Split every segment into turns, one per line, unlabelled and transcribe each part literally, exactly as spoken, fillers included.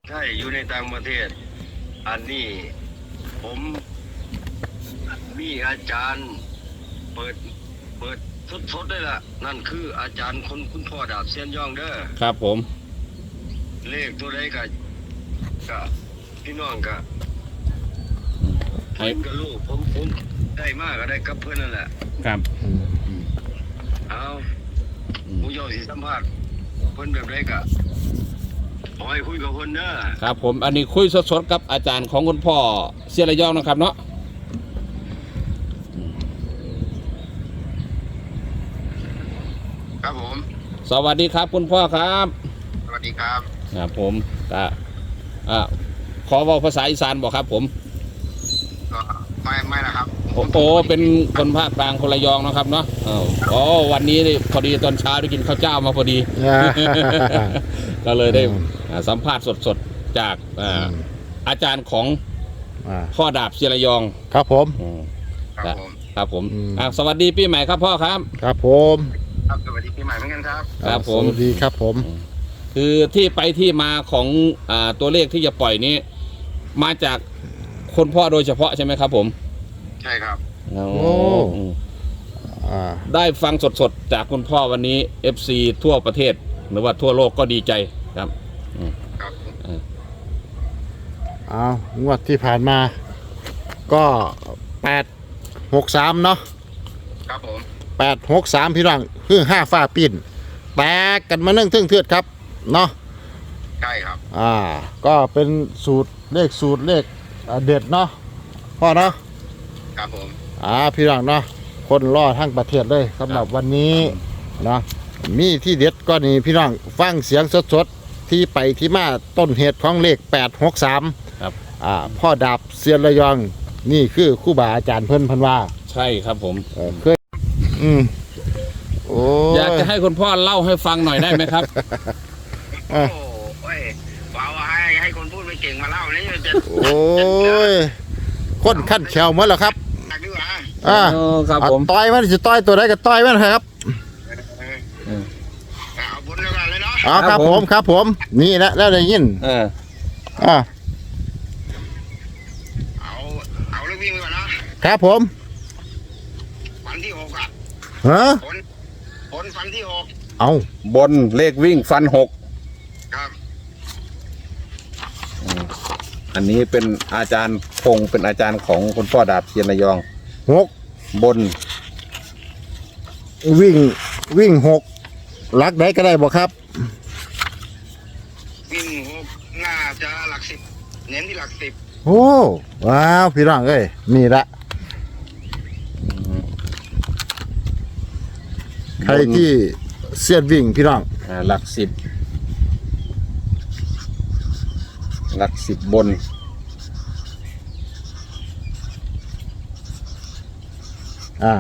ใช่อยู่ในต่างประเทศอันนี้ผมมีอาจารย์เปิดเปิดสดๆได้ละนั่นคืออาจารย์คนคุณพ่อดาบเซียนย่องเด้อ
ครับผม
เลขตัวใดก็ก็พี่น้องก็ให้กับลูกผมผมได้มากก็ได้กับเพื่อนนั่นแหละ
ครับ
เอาผู้ย่อสิสัมภาษณ์เพื่อนแบบไรก็ขอให้คุยกับคนเด้อ
ครับผมอันนี้คุยสดๆกับอาจารย์ของคุณพ่อเสียระยองนะครับเนาะ
ครับผม
สวัสดีครับคุณพ่อครับ
สวัสดีครับ
ครับผมก็อ่าขอเว้าภาษาอีสานบอกครับผม
ก็ไม่ไม่นะครับ
โอ้โหเป็นคนภาคกลางคนระยองนะครับเนาะอ๋อวันนี้พอดีตอนเช้าได้กินข้าวเจ้ามาพอดีก็เลยได้สัมภาษณ์สดๆจากอาจารย์ของพ่อดาบเสียระยอง
ครับผม
ครับผม
ครับผมสวัสดีปีใหม่ครับพ่อครับ
ครับผม
ครับสวัสดีปีใหม่เหมือนกันครับ
ครับผม
สวัสดีครับผม
คือที่ไปที่มาของอ่าตัวเลขที่จะปล่อยนี้มาจากคนพ่อโดยเฉพาะใช่ไหมครับผม
ใช่ครับ
โอ้ได้ฟังสดๆจากคุณพ่อวันนี้ เอฟ ซี ทั่วประเทศหรือว่าทั่วโลกก็ดีใจครับ
ครับ
เอางวดที่ผ่านมาก็แปดหกสามเนาะ
ครับผม
แปดหกสามพี่น้องคือห้าฟ้าปิ่นแตกกันมาเนื่องเทื่องเทือดครับเนาะ
ใช่ครับ
อ่าก็เป็นสูตรเลขสูตรเลขเด็ดเนาะพ่อเนาะ
ครับผม
อ่าพี่น้องเนาะคนรอทั้งประเทศเลยสำหรับวันนี้เนาะมีที่เด็ดก็นี่พี่น้องฟังเสียงสดๆที่ไปที่มาต้นเหตุของเลขแปดหกสาม
ครับ
อ่าพ่อดาบเซียนระยองนี่คือครูบาอาจารย์เพิ่นพันว่า
ใช่ครับผม
เคยอืมโอ้
อยากจะให้คุณพ่อเล่าให้ฟังหน่อยได้ไหมครับ
โอ้ยว่าให้ให้คนพูดไม่เก่งมาเล่านี่จะ
โอ้ยคนขั้นแขวหมดแล้วครับอ่า
ครับผม
ต่อยมันจะต่อยตัวไหนก็ต่อยมันครับ
เอาบุญแล้วกันเลยเนาะ
อ๋อครับผมครับผมนี่แหละแล้วได้ยิน
เออ
อ่า
เอาเอาเรื่องวิ่งไปก่อน
นะครับผม
ฟันที่หกอ่ะ
ฮะ
ผลผลฟันที่หก
เอา
บนเลขวิ่งฟันหก
ครับ
อันนี้เป็นอาจารย์พงเป็นอาจารย์ของคุณพ่อดาบเซียนระยอง
หก
บน
วิ่งวิ่งหกลักได้ก็ได้บอกครับ
วิ่งหกน่าจะหลักสิบเน้นที่หลักสิบ
โอ้ว้าวพี่น้องเอ้ยนี่ละใครที่เสียดวิ่งพี่น้อง
หลักสิบหลักสิบบน
อ่า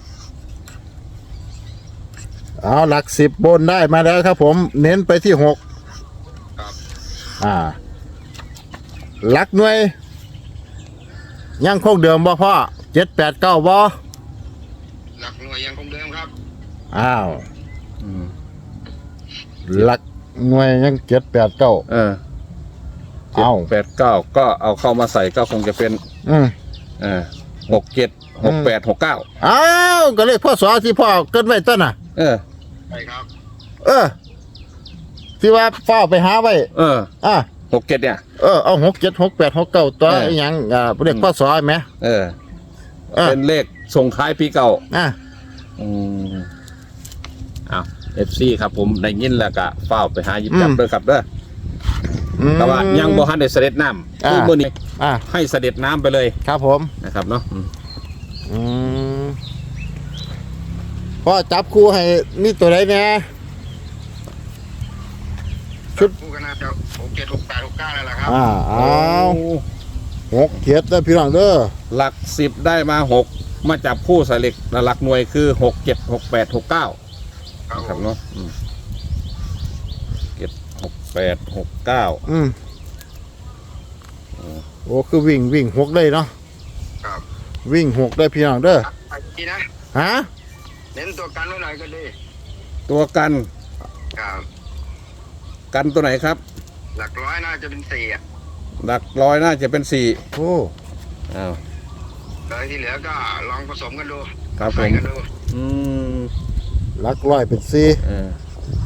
เอาหลักสิบบนได้มาแล้วครับผมเน้นไปที่หก
ครับ
อ่าหลักหน่วยยังคงเดิมบ่พ่อเจ็ดแปดเก้าบ่
หลักหน่วยยังคงเดิมครับ
อ้าวหลักหน่วยยังเจ็ดแปดเก้า
เออเอาแปดเก้าก็เอาเข้ามาใส่ก็คงจะเป็น
อืม
เออหกเจ็ดหกแปดหกเก้า
อ้าวก็เลขพ่อสอที่พ่อเกิดไว้ต้นน่ะ
เออ
ใช่ครับ
เออที่ว่าเฝ้าไปหาไว้
เออ
อ่ะ
หกเจ็ดเนี่ย
เออเอาหกเจ็ดหกแปดหกเก้าตัวอย่างอ่าเลขพ่อสอไหม
เออเป็นเลขส่งท้ายปีเก่า
อ่ะ
อืมอ้าวเอฟซีครับผมได้ยินแล้วก็เฝ้าไปหายิบจับด้วยครับเด้อแต่ว่ายังบ่ทันได้เสด็จน้ำคือมื้อนี้ให้เสด็จน้ำไปเลย
ครับผม
นะครับเนาะ
อืมพ่อจับคู่ให้นี่ตัวไหนเนี่ย
ชุดคู่กันนะจะหกเจ็ดหกแปดหกเก้านั่นแหละครับ
อ่าเอาหกเจ็ดได้พี่น้องเด้อ
หลักสิบได้มาหกมาจับคู่ใส่เหล็กหลักหน่วยคือหกเจ็ดหกแปดหกเก้าครับเนาะเจ็ดหกแปดหกเก้า
อืมโอ้คือวิ่งวิ่งหกได้เนาะ
ครับ
วิ่งหกได้พี่น้องเด้อ
ดีนะ
ฮะ
เน้นตัวกันไว้หน่อยก็ดี
ตัวกัน
ครับ
กันตัวไหนครับ
หลักร้อยน่าจะเป็นสี่อ่ะ
หลักร้อยน่าจะเป็นสี่
โอ้
อ้าว
เลยที่เหลือก็ลองผสมกันดู
ครับผม
ใส่กันดู
อืม
หลักร้อยเป็นสี่
เออ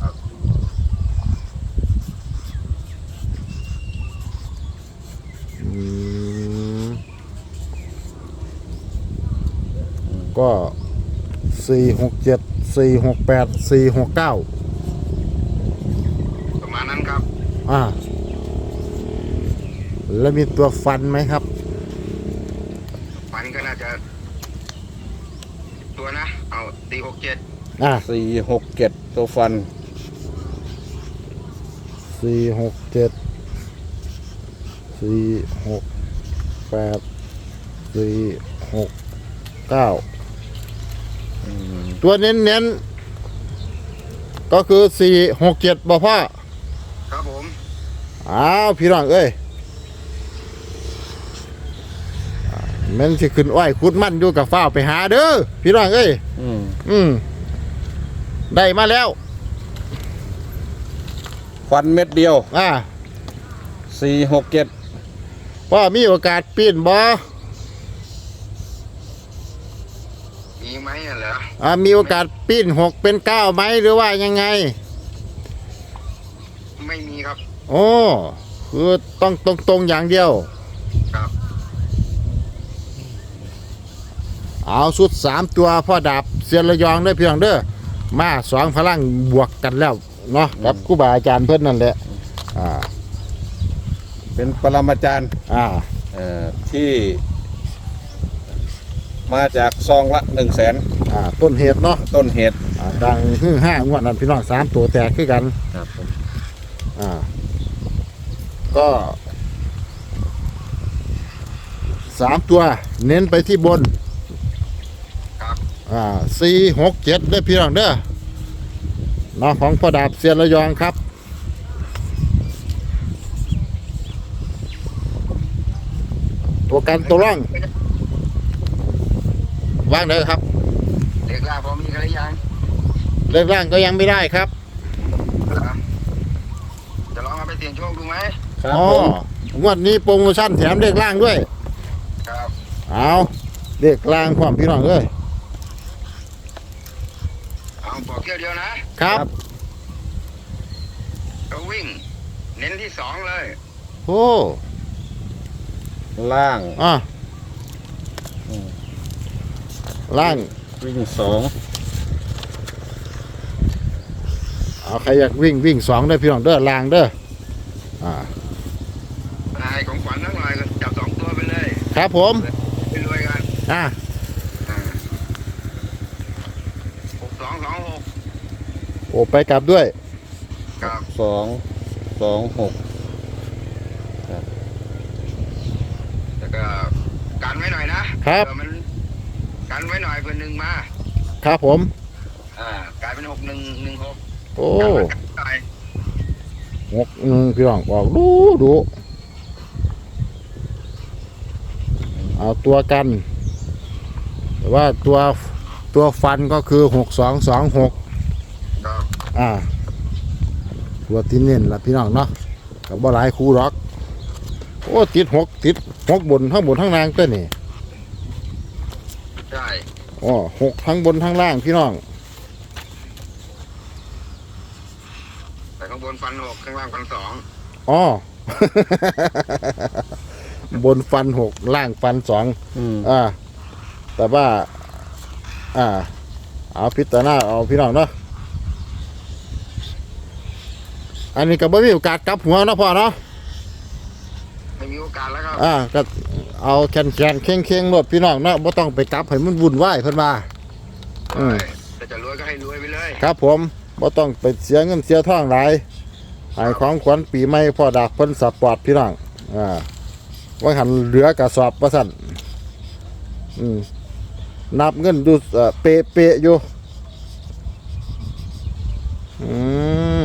อืมก็สี่หกเจ็ดสี่หกแปดสี่หกเก้า
ประมาณนั้นครับ
อ่า แล้วมีตัวฟันไหมครับ
ฟันก็น่าจะตัวนะเอาตีหกเจ็ด
อ่า
สี่หกเจ็ดตัวฟัน
สี่หกเจ็ดสี่หกแปดสี่หกเก้า
อืม
ตัวเน้นๆก็คือสี่หกเจ็ดบ่พ่อ
ครับผม
อ้าวพี่น้องเอ้ยอ่าแมันสิขึ้นอ้อยคุดมันอยู่กับฟ้าวไปหาเด้อพี่น้องเอ้ย
อืม
อืมได้มาแล้ว
ฟันเม็ดเดียว
อ่า
สี่หกเจ็ด
ว่ามีโอกาสปีนบ่
มีไหมน่ะเหรอ
อ่ามีโอกาสปีนหกเป็นเก้าไหมหรือว่ายังไง
ไม่มีครับ
โอ้คือต้องตรงตรงๆอย่างเดียว
ครับ
เอาสุดสามตัวพ่อดาบเสียนระยองเด้อพี่น้องเด้อมาสองพลังบวกกันแล้วเนาะกับครูบาอาจารย์เพิ่นนั่นแหละอ่า
เป็นปรมาจารย์
อ่า
เอ่อที่ มาจากซองละหนึ่งแสน
อ่าต้นเหตุเนาะ
ต้นเหตุ
อ่าดังฮือห้างวดนั้นพี่น้องสามตัวแตกคือกัน
ครับผม
อ่าก็สามตัวเน้นไปที่บน
ครับ
อ่าสี่หกเจ็ดเด้อพี่น้องเด้อเนาะของพ่อดาบเสียนระยองครับตัวกันตัวร่องว่างเด้อครับ
เด็กล่าพอมีกันหรือยัง
เลขร่างก็ยังไม่ได้ครับ
เหรอจะลองเอาไปเสี่ยงโชคดูไหม
ครับ
อ๋อ
ผม
งวดนี้โปรโมชั่นแถมเลขร่างด้วย
ครับ
เอาเลขร่างความพี่น้องเอ้ย
เอาบอกเที่ยวเดียวนะครับ ก็วิ่ง เน้นที่สองเลย
โอ้
ล่าง
อ่ะ
อืม
ร่าง
วิ่งสอง
เอาใครอยากวิ่งวิ่งสองเด้อพี่น้องเด้อล่างเด้ออ่า
นายของขวัญทั้งหลายก็จับสองตัวไปเลย
ครับผม
ไปรวยกัน
อ่ะ
อ่าหกสองสองหก
โอ้ไปกลับด้วย
ครับ
สองสองหก
แล้วก็กันไว้หน่อยนะครับ เผื่อมันกันไว้หน่อยเพื่อหนึ่งมา
ครับผม
อ่ากลายเป็นหกหนึ่งหนึ่งหก
โอ้
กันไว้กันหน่อย
หกหนึ่งพี่น้องออกดูดูเอาตัวกัน แต่ว่าตัวตัวฟันก็คือหกสองสองหก
ครับ
อ่าตัวที่เน้นละพี่น้องเนาะกับบ่หลายคู่หรอกโอ้ติดหกติดหกบนทั้งบนทั้งล่างตัวนี่
ใช่
อ๋อหกทั้งบนทั้งล่างพี่น้อง
แต่ข้างบนฟันหกข้างล่างฟันสอง
อ๋อ บนฟันหกล่างฟันสอง
อืม
อ่า แต่ว่า อ่า เอาพิจารณาเอาพี่น้องเนาะอันนี้ก็บ่มีโอกาสกลับหัวเนาะพ่อเนาะ
ไม่มีโอกาสแล้วครับ
อ่าก็เอาแขนแขนเข่งเข่งๆรถพี่น้องเนาะบ่ต้องไปกลับให้มันวุ่นวายเพิ่นว่า อืม
แต่จะรวยก็ให้รวยไปเลย
ครับผมบ่ต้องไปเสียเงินเสียทองหลายให้ของขวัญปีใหม่พ่อดาบเพิ่นสปอร์ตพี่น้องอ่าว่าหันเหลือกระสอบว่าซั่นอืมนับเงินดูเอ่อเปะๆอยู่อืม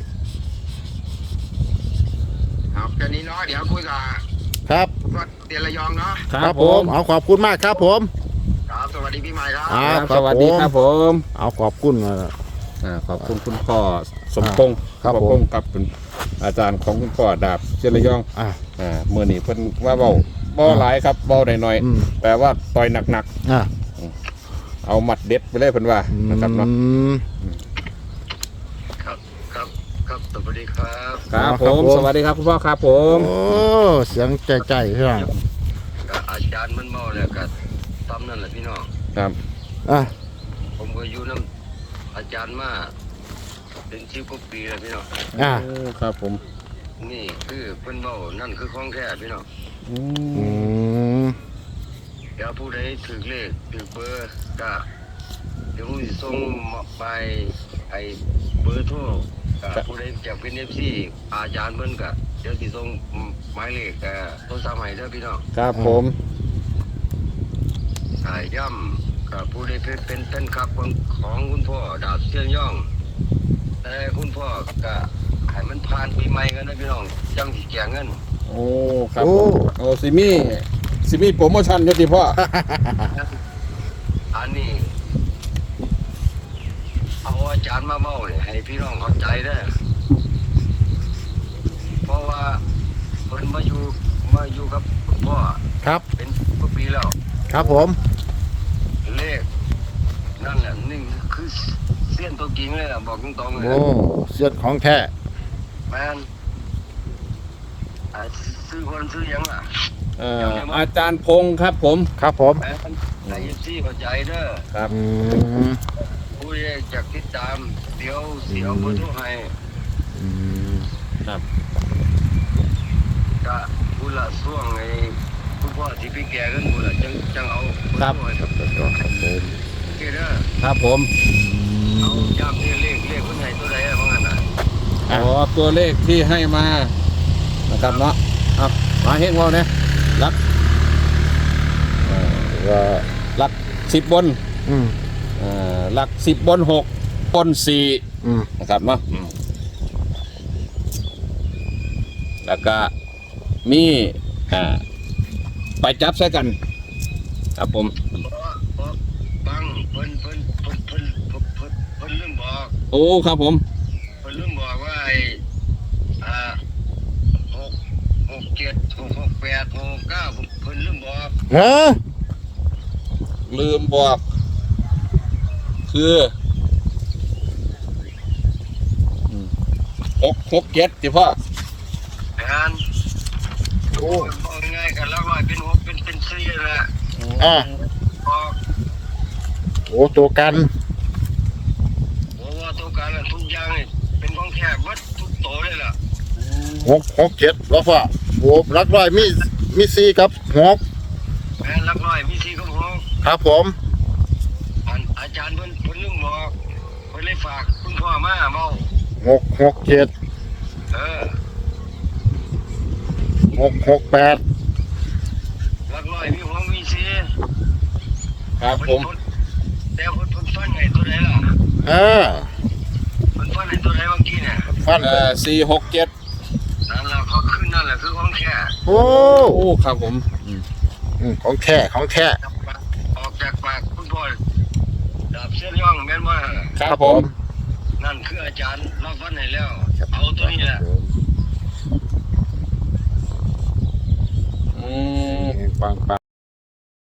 เอาแค่นี้เนาะเดี๋ยวคุยกับ
ครับ
วัดเตียนระยองเนาะ
ครับผม เอาขอบคุณมากครับผม
ครับสวัสดีพี่ใหม่ครับ
อ่า
ครับสวัสดีครับผม
เอาขอบคุณนะ
อ่าขอบคุณคุณพ่อสมพงษ์
ครับ
พ่อ
ผม
พงษ์กับเป็นอาจารย์ของคุณพ่อดาบเชลยอง
อ่า
อ่าเมื่อนี้เพิ่นว่าเบาเบาหลายครับเบาหน่อย
อืม
ๆแต่ว่าต่อยหนัก
อ่า
ๆเอาหมัดเด็ดไปเลยเพิ่นว่านะครับเนาะ
อืม
ครับครับครับสวัสดีครับ
ครับ
ค
ผ
รับ
ม
ผม
สวัสดีครับคุณพ่อครับผม
โอ้เสียงใจใจพี่น้อง
ก็อาจารย์มันเมาแล้วก็ตามนั่นแหละพี่น้อง
ครับ
อ่ะ
ผมก็อยู่น้ำอาจารย์มาเป็นสิบกว่าปีแล้วพี่น้อง
อ่ะ
โอ้ครับผม
นี่คือเพิ่นเมานั่นคือของแท้พี่น้อง
อื
อื
ม
ม
เดี๋ยวผู้ใดถือเลขถือเบอร์ก็เดี๋ยวผมสิส่งมาไปไอ้เบอร์โทรก็ผู้ใดอยากเป็น เอฟ ซี อาจารย์เพิ่นก็เดี๋ยวสิส่งหมายเลขเอ่อโทรศัพท์ให้เด้อพี่น้อง
ครับผม
อ่าย่ำกับผู้ใดเป็นเป็นเป็นครับของของคุณพ่อดาบเชียงย่อง แต่คุณพ่อก็ให้มันผ่านปีใหม่กันนะพี่น้องจังสิแจกเงิน
โอ้ครับผมโอ้ซิมี่ซิมี่โปรโมชั่นอยติพ่อ
อันนี้เอาอาจารย์มาเมาเนี่ยให้พี่น้องเข้าใจเด้อเพราะว่าเพิ่นมาอยู่มาอยู่กับคุณพ่อ
ครับ
เป็นกว่าปีแล้ว
ครับผม
เลขนั่นแหละนี่คือเส้นตัวจริงเลยล่ะบอกตรงๆเลย
โอ้เสียงของแท้
แมนอ่าซื้อคนซื้อหยังล่ะ
เอ่ออาจารย์พงศ์ครับผม
ครับผม
แมนในยิซี่เข้าใจเด้อ
ครับ
อืม
ผู้ใดอยากติดตามเดี๋ยวเสียวเบอร์โทรให้
อืม
ครับ
ก็ผู้ละช่วงไอ้ผู้พ่อที่พี่แกกันผู้ละจังจังเอาเบอร์โทรให้ครับ
ครับผม
โอเคเด้อ
ครับผม
เอาย้ำนี่เลขเลขคนไหนตัวใดอะว่างั้นน่ะ
อ๋อตัวเลขที่ให้มานะครับเนาะครับมาเฮงเราเนี่ยรักเอ่อ
ว่า
รักสิบบน
อืม
เอ่อรักสิบบนหกบนสี่
อืม
นะครับเนาะอืมแล้วก็มีอ่าไปจับใส่กัน ครับผม
เพราะเพราะบังเพิ่นเพิ่นเพิ่นเพิ่นเพิ่นเพิ่นเพิ่นลืมบอก
โอ้ครับผม
เพิ่นลืมบอกว่าไอ้อ่าหกหกเจ็ดหกหกแปดหกเก้าเพิ่นลืมบอก
ฮะ
ลืมบอก คืออืมหกหกเจ็ดสิพ่อ
งาน
โอ้
บอกง่ายๆกันแล้วว่าเป็นหกเป็นเป็นสี่แหละ
อ่ะ
บอก
โอ้ตัวกัน
บอกว่าตัวการน่ะทุกอย่างนี่เป็นของแท้หมดทุกโตวเลยล่ะ
หกหกเจ็ดแล้วพ่อโอ้รักร้อยมีมีสี่กับหก
แม่นหลักร้อยมีสี่กับหก
ครับผม
อันอาจารย์เพิ่นเพิ่นลืมบอกเพิ่นเลยฝากคุณพ่อมาเมา
หกหกเจ็ด
เออ
หกหกแปด
หลักร้อยมีหกมีสี่
ครับผม
เพิ่นแต่เพิ่นเพิ่นฟันไงตัวไหนล่ะ
อ่า
เพิ่นฟันไงตัวไหนเมื่อกี้เนี่ย
ฟัน
เอ่อสี่หกเจ็ด
นั่นแหละเขาขึ้นนั่นแหละคือของแท้
โอ้
โอ้ครับผมอืม
อืมของแท้ของแท้
ออกจากปากคุณพ่อดาบเส้นย่องแม่นว่า
ครับผม
นั่นคืออาจารย์รับฟันให้แล้ว เอาตัวนี้แหละ
อืม
ปังปัง